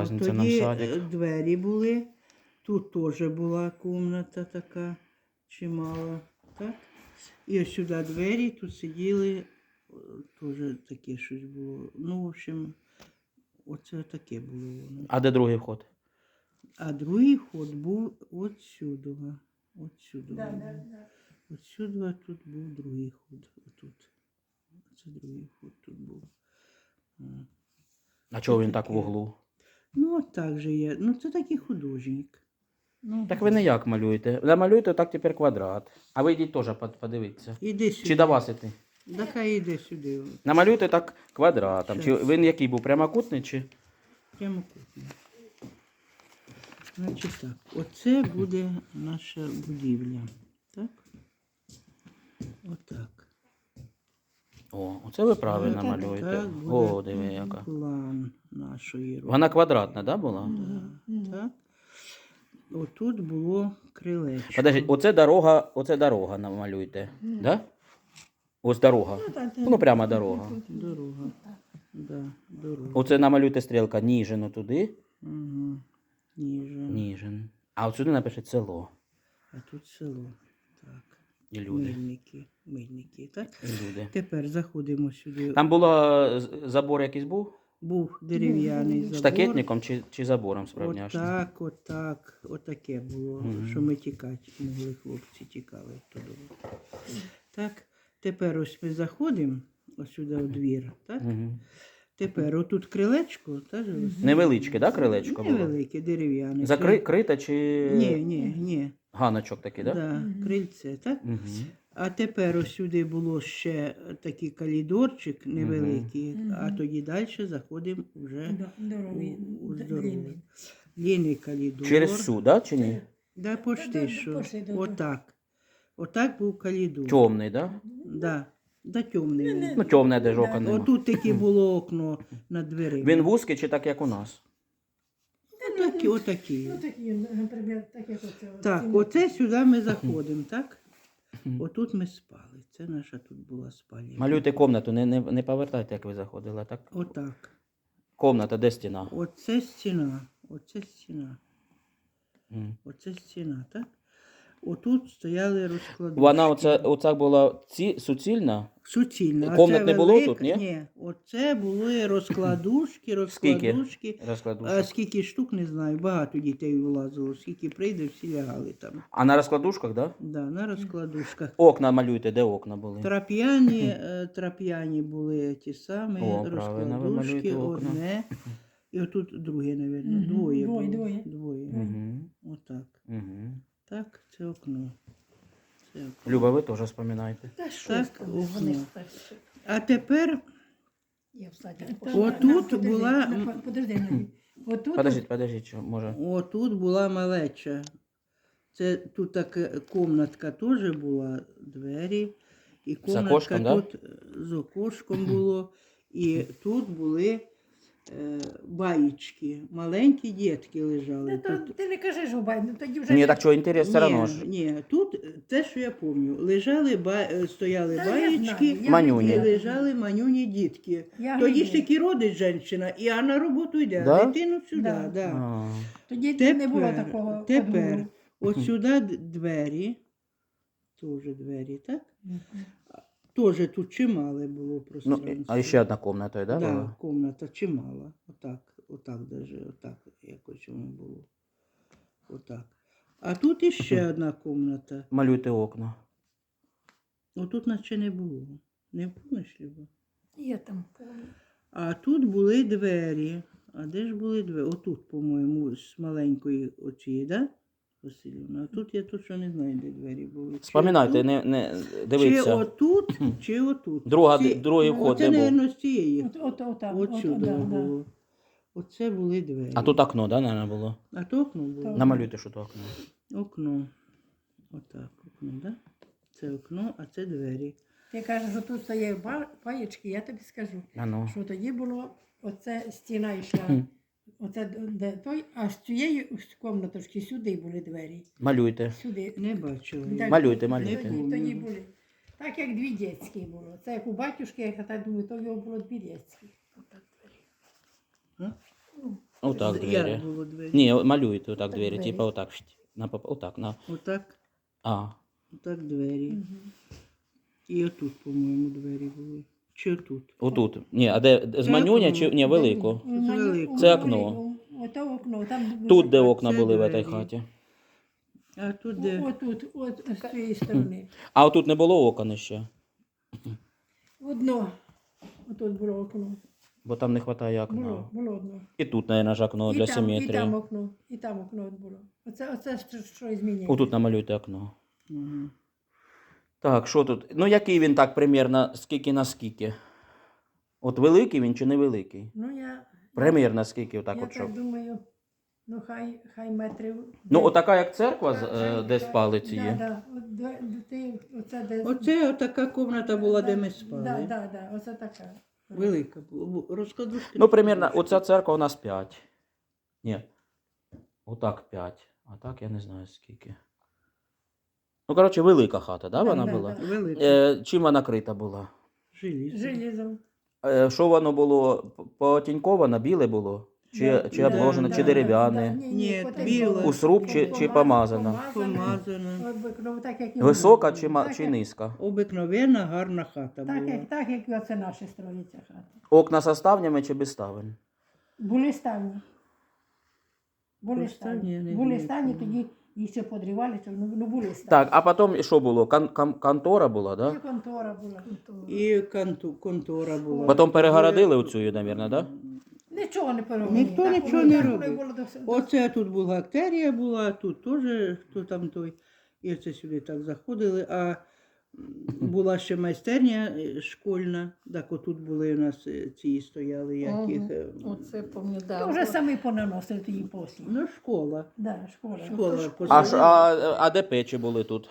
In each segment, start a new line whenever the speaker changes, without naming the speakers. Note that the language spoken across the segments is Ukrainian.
разниця нам
Тоді
садик.
двері були. Тут теж була кімната така чимала. Так? І ось сюди двері, тут сиділи, теж таке щось було. Ну, в общем, оце таке було воно.
А де другий вход?
А другий ход був от сюди. От сюди.
Да, да, да.
От сюди тут був другий ход. Отут. Це другий ход тут був.
А чого він так в углу?
Ну, от так же є. Ну, це такий художник. Ну,
Так ви не як малюєте? Намалюєте так тепер квадрат. А ви йдіть теж подивитися.
Іди сюди.
Чи до вас іти?
Да хай іди сюди.
Намалюйте так квадратом. Чи
Щас.
він який був прямокутний чи?
Прямокутний. Значить так, оце буде наша будівля. Так? Отак.
О, оце ви правильно
Так,
малюєте.
Так буде
О, диви яка.
план нашої роботи.
Вона квадратна, да, була?
Так. Отут було крилечко.
Подождіть, оце дорога намалюйте. Да? Ось дорога. Ну, прямо дорога.
Дорога. Да, дорога.
Оце намалюйте стрілка Ніжин туди.
Угу. Ніжин.
Ніжин. А от сюди напишіть село.
А тут село. Так.
І люди.
Мильники. Мильники, так?
І люди.
Тепер заходимо сюди.
Там було забор якийсь був?
Був дерев'яний забор.
Штакетником чи забором справняшним?
Отаке було,
Мгм.
що ми тікати могли, хлопці тікали туди. Так, тепер ось ми заходимо ось сюди у двір, так?
Угу.
Тепер отут крилечко, так? же ось?
Невеличке, да, крилечко було?
Невелике, дерев'яне.
Закрите чи
Ні.
ганочок такий, да?
Да, крильце, так?
Угу.
А тепер ось сюди було ще такий коридорчик невеликий, а тоді далі заходимо вже
Здоровий.
у здоровий.
Длинний.
Длинний коридор.
Через цю, да, чи ні?
Да, почти
Да,
що.
почти, да.
Отак. Отак був коридор.
Темний, да?
Да, темний. він.
Ну, темне, де ж окон нема.
Отут таке було окно над дверима.
Він вузький чи так, як у нас?
Отакі.
Ну, такі, наприклад, так як оце.
Так, оце сюди ми заходимо, так? Отут ми спали. Це наша тут була спальня.
Малюйте комнату, не повертайте, як ви заходили, так?
Отак.
Комната, де стіна?
Оце стіна. Оце стіна.
М.
Оце стіна, так? Отут стояли розкладушки.
Вона оця була суцільна?
Суцільна.
Комнат
Оце
не було
велика-
тут, ні?
Ні. Оце були розкладушки. А
Розкладушок.
скільки штук, не знаю. Багато дітей влазило. Скільки прийде, всі лягали там.
А на розкладушках, да?
Да, на розкладушках.
Окна малюйте, де окна були?
Трап'яні були ті самі
О, правильно, ви
розкладушки,
малюєте окна.
одне. І отут друге, мабуть.
Мгм,
Двоє було.
двоє.
Двоє.
Угу.
Отак.
Угу.
Так, це окно. Це окно.
Люба, ви теж вспоминайте.
Та що
Так,
я скажу, вони
окно.
старші.
А тепер
Я в саді
Отут
пішла.
була-
Подожди, Надя. Отут.
Подождіть, що, може.
отут була малеча. Це тут така комнатка теж була, двері. І комнатка
окошком, да?
тут з окошком було. І тут були баєчки. Маленькі дітки лежали. Тут.
Ти не кажи, що бай, ну тоді вже.
Ні, так що, інтерес все одно ж.
Ні, тут те, що я пам'ятаю. Лежали, стояли
Та я
баєчки
знаю, я
Манюні.
і
виділа.
лежали манюні дітки.
Я
Тоді ж
виділа.
таки родить жінка, і а на роботу йде,
Да?
а дитину сюди.
Да.
Да.
А.
Тоді
Тепер,
не було такого.
тепер
подвір'я.
от сюди двері, теж двері, так?
Мгм.
Теж тут чимале було
Ну,
пространство.
а ще одна комната, да,
Да,
була?
комната чимала. Отак даже, отак якось воно було. Отак. А тут іще одна комната.
Малюйте окна.
Отут наче не було. Не помниш, Люба?
Я там помню.
А тут були двері. А де ж були двері? Отут, по-моєму, з маленької оцієї, да? Василівна. А тут я точно не знаю, де двері були. Чи
Вспоминайте,
отут,
не
Чи
дивіться.
отут, чи отут.
Другий вход
Оце,
де був?
мабуть, з цієї.
Отам.
Отсюди
да.
було. Оце були двері.
А тут окно, да, наверное, було?
А то окно було.
Так.
Намалюйте, що то окно.
Окно. Отак, окно, да? Це окно, а це двері.
Ти кажеш, що тут стоять паєчки, я тобі скажу,
А ну.
що тоді було, оце стіна йшла, оце де той, а з цієї кімнаточки сюди були двері.
Малюйте.
Сюди.
Не бачила.
Так,
я.
Малюйте, малюйте.
Тоді були. Так як дві дітські було. Це як у батюшки, я так думаю, то його було дві дітські. Отак двері.
А?
Ну,
Отак
Як
двері.
було двері?
Ні, малюйте отак
Так
двері,
двері.
типа отак. Отак, на.
Отак,
А,
отак двері. І отут, по-моєму, двері були. Чи отут?
отут. Ні, а де з манюня чи ні, велико?
велико.
Це окно.
Ото окно. Там
Тут, де
А
окна
це
були в
двері.
цій хаті.
А тут де?
Отут, от з цієї сторони.
А отут не було окон ще,
Одно. Отут було окно.
бо там не вистачає окна.
Було одно.
І тут, мабуть, ж окно для
І там
симетрії.
окно. І там окно от було. Оце що змінює.
Отут намалюйте окно.
Ага.
Так, що тут? Ну, який він так примірно, скільки на скільки? От великий він чи невеликий?
Ну, я
Примірно скільки отак
я
от щоб.
так думаю, ну хай метрів.
Ну, отака як церква,
Так,
де спали ці
да,
є.
да. Оце де.
Оце така кімната була, де ми спали.
Да, оце така.
Велика була. Розкладушки.
Ну, примірно, оця церква у нас 5. Ні. Отак 5. А так я не знаю скільки. Ну, коротше, велика хата, да,
Да,
вона
да,
була?
да.
Велика.
Чим вона крита була?
Желізо.
Желізом.
Що воно було? Потіньковано, біле було? Чи обложено, чи дерев'яне?
Ні,
потім
біле.
було.
У сруб чи помазано?
Помазана.
Ну, так, як і
Висока
було.
чи,
Так,
чи
як-
низька?
Обикновенна гарна хата
Так,
була.
як і оце наші строїться хати.
Окна со ставнями чи без ставень?
Були стані. Були
Стані, я не
стані. Були
знаю,
стані,
чому.
тоді їх ще подрівали, ну були стані.
Так, а потім що було? Контора була,
І
да?
контора була.
І контора була.
Потім перегородили оцю, мабуть, да?
Нічого не переробили.
Ніхто
Так,
нічого
воно-
не
так воно
робив.
і було до всього.
Оце тут бухгалтерія була, тут теж, хто там той. І оце сюди так заходили. А була ще майстерня школьна, так отут були у нас ці стояли, яких.
Оце пам'ятаю.
Ну, вже самі понаносили тоді послі.
Ну, школа.
Да, школа.
Школа.
А де печі були тут?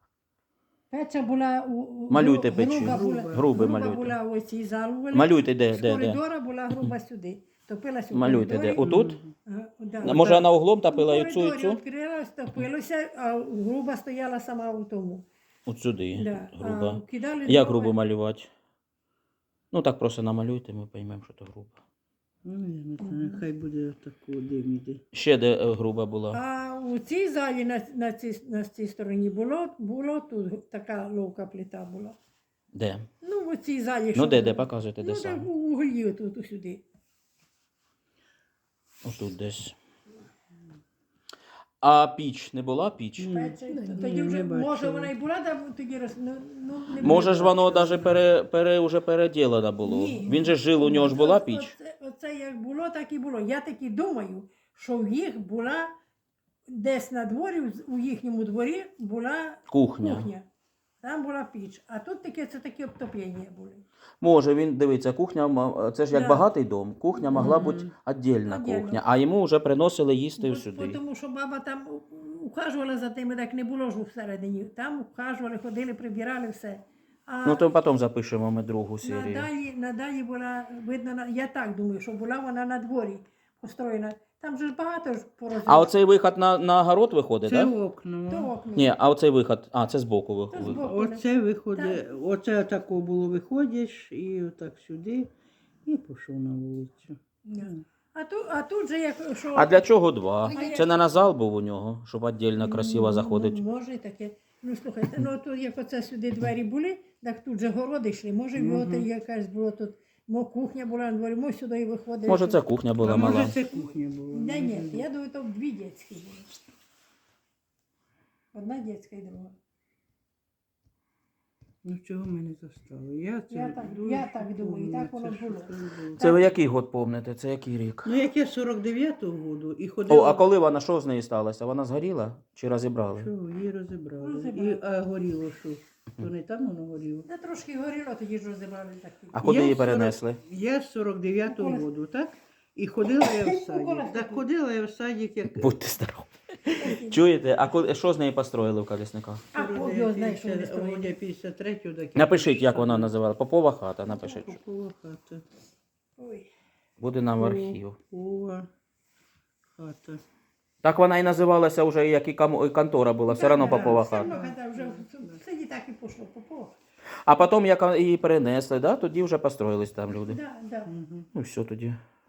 Печа була
Малюйте печі.
груба була,
Груби малюйте.
була ось цій залу.
Малюйте, де,
З
де, де?
коридора була груба сюди. Топилася у
Малюйте, де?
коридорі.
Отут?
Да.
Може, вона углом топила і
У
цю, і
коридорі
цю?
відкрилась, топилося, а груба стояла сама у тому.
От сюди,
Да.
груба.
А кидали
Як
дрова.
грубо малювати? Ну, так просто намалюйте, ми поймемо, що то грубо.
Ну, я не знаю, хай буде тако дим іде.
Ще де груба була?
А у цій залі на цій стороні було тут така ловка плита була.
Де?
Ну, у цій залі.
Ну,
що
де,
було?
де, показуйте, де
Ну, так
саме.
у углі тут сюди.
Отут десь. А піч, не була піч?
Пече,
ні,
тоді вже,
не бачила.
може, вона і була, да, тоді не
Може ж
було.
воно навіть уже переділено було.
Ні.
Він же жив, у нього ж була піч.
Оце як було, так і було. Я таки думаю, що в їх була десь на дворі, у їхньому дворі була
Кухня.
кухня. Там була піч. А тут це такі обтоплення були.
Може, він дивиться, кухня, це ж як
Да.
багатий дом. Кухня могла бути віддільна
Отдельно.
кухня, а йому вже приносили їсти сюди.
Тому що баба там ухажувала за тими, так не було ж всередині. Там ухажували, ходили, прибирали все. А
Ну, то потім запишемо ми другу серію.
надалі була видно, я так думаю, що була вона на дворі построєна. Там же ж багато ж порозумів.
А оцей виход на город виходить,
Це
так? Да?
окно.
То окна.
Ні, а оцей виход, це збоку
Це
виходить.
збоку.
Оце виходить, оце тако було, виходиш і отак сюди, і пішов на вулицю.
Да. А тут же як що.
А для чого два?
А я-
Це не на зал був у нього, щоб віддільно красиво заходить.
Може і таке. Ну слухайте, ну тут як оце сюди двері були, так тут же городи йшли. Може, його якась було тут. Кухня була на дворі, може сюди і виходить.
Може, це кухня була
А
мала.
може це кухня була?
Да, ні, я думаю, то дві дітські були. Одна дітська і друга.
Ну чого ми не застали?
Я так думаю, так воно було.
Це ви який год помните? Це який рік?
Ну як я 49-го году і
О,
ходила.
а коли вона, що з нею сталося? Вона згоріла чи розібрали?
Що, її розібрали.
Розібрали.
А горіло що? То не там воно горіло?
Та трошки горіло, тоді ж розібрали такі.
А куди
Я
її
40
перенесли?
Я з 49-го году, так? І ходила я в садик.
Колесо.
Так ходила я в садик, як...
Будьте здорові. Чуєте, а що з нею построїли в Колісниках?
А Бог його знає, що вони строїли.
53-го, так
Напишіть, як вона називала. Попова хата, напишіть.
Попова хата.
Ой.
Буде нам в архів.
Попова хата.
Так вона і називалася вже, як і контора була, все одно Попова
Все одно,
хата.
коли вже в селі так і пішло, Попова.
А потім, як її перенесли, да, тоді вже построїлись там люди.
Да, да.
Ну все тоді.